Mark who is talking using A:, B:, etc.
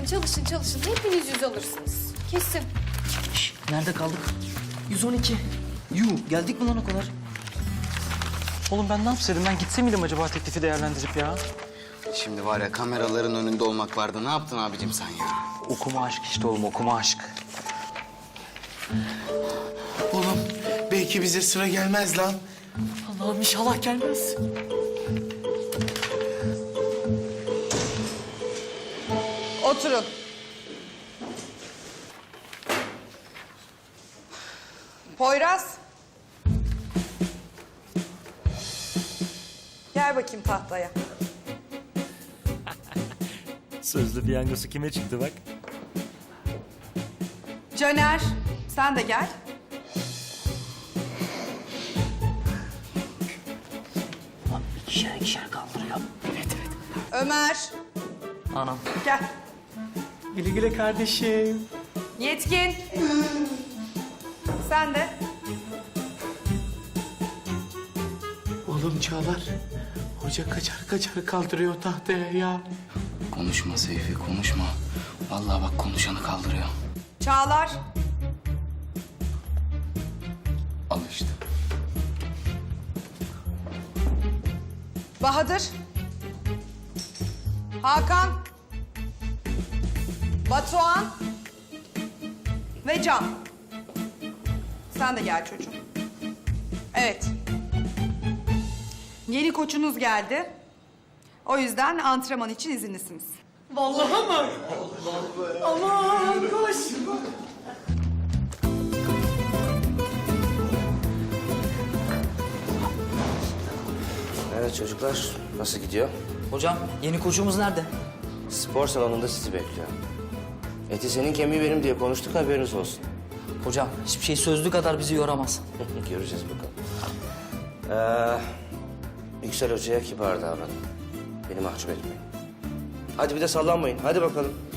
A: çalışın çalışın. Hepiniz 100 alırsınız. Kesin.
B: Nerede kaldık? 112. Yuh, geldik mi lan o kadar?
C: Oğlum ben ne yapsaydım? Ben gitse miydim acaba teklifi değerlendirip ya?
D: Şimdi var ya kameraların önünde olmak vardı. Ne yaptın abicim sen ya?
C: Okuma aşk işte oğlum, okuma aşk.
E: Oğlum belki bize sıra gelmez lan.
C: Allah'ım inşallah gelmez.
F: Oturun. Poyraz. Gel bakayım tahtaya.
G: Sözlü piyangosu kime çıktı bak?
F: Caner, sen de gel.
B: Lan ikişer kaldırıyor.
F: Ömer,
B: Anam.
F: gel.
C: Güle güle kardeşim.
F: Yetkin. Sen de.
E: Oğlum Çağlar, hoca kaçar kaçar kaldırıyor tahtaya ya.
D: Konuşma Seyfi, konuşma. Vallahi bak konuşanı kaldırıyor.
F: Çağlar.
D: Al işte.
F: Bahadır. Hakan. Batuhan. Ve Can. Sen de gel çocuğum. Evet. Yeni koçunuz geldi. O yüzden antrenman için izinlisiniz.
H: Evet çocuklar, nasıl gidiyor?
B: Hocam, yeni koçumuz nerede?
H: Spor salonunda sizi bekliyor. Eti senin kemiği benim diye konuştuk, haberiniz olsun.
B: Hocam, hiçbir şey sözlü kadar bizi yoramaz.
H: Göreceğiz bakalım. Yüksel Hoca'ya kibar davranın. Beni mahcup etmeyin. Hadi bir de sallanmayın, hadi bakalım.